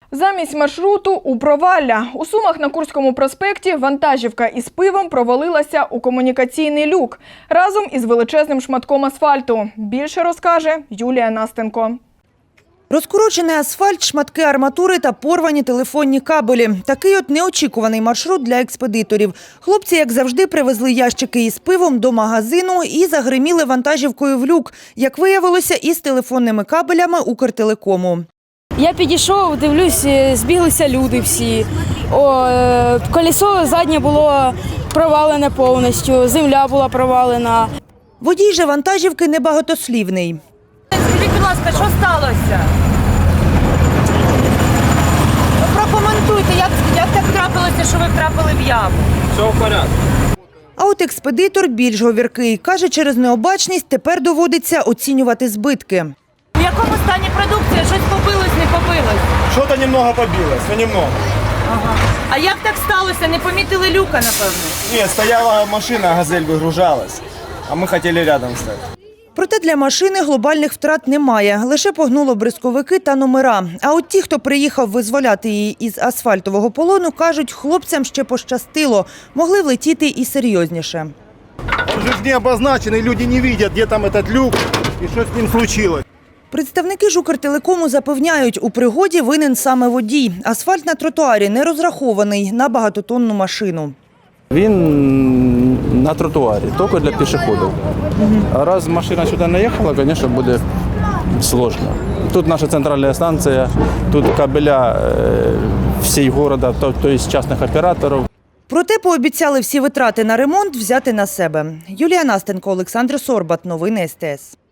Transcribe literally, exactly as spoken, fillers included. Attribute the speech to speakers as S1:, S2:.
S1: Замість маршруту – у провалля. У Сумах на Курському проспекті вантажівка із пивом провалилася у комунікаційний люк разом із величезним шматком асфальту. Більше розкаже Юлія Настенко.
S2: Розкорочений асфальт, шматки арматури та порвані телефонні кабелі. Такий от неочікуваний маршрут для експедиторів. Хлопці, як завжди, привезли ящики із пивом до магазину і загриміли вантажівкою в люк. Як виявилося, із телефонними кабелями Укртелекому.
S3: Я підійшов, дивлюсь, збіглися люди всі. О, колесо заднє було провалене повністю, земля була провалена.
S2: Водій же вантажівки небагатослівний.
S4: Скажіть, будь ласка, що сталося? Ну, прокоментуйте, як, як так трапилося, що ви втрапили в яму?
S5: Все в порядку.
S2: А от експедитор більш говіркий. Каже, через необачність тепер доводиться оцінювати збитки.
S4: В якому стані продукція? Щось побилось, не побилось?
S5: Что-то немного побилось, но немного.
S4: Ага. А як так сталося? Не помітили люка, напевно?
S5: Нет, стояла машина, газель выгружалась, а мы хотели рядом стать.
S2: Проте для машини глобальних втрат немає. Лише погнуло бризковики та номера. А от ті, хто приїхав визволяти її із асфальтового полону, кажуть, хлопцям ще пощастило. Могли влетіти і серйозніше.
S6: Он же не обозначенный, люди не видят, где там этот люк и что с ним случилось.
S2: Представники ж Укртелекому запевняють, у пригоді винен саме водій. Асфальт на тротуарі не розрахований на багатотонну машину.
S7: Він на тротуарі, тільки для пішоходів. А раз машина сюди не їхала, звісно, буде складно. Тут наша центральна станція, тут кабеля всього міста, тобто з частних операторів.
S2: Проте пообіцяли всі витрати на ремонт взяти на себе. Юлія Настенко, Олександр Сорбат. Новини ес те ес.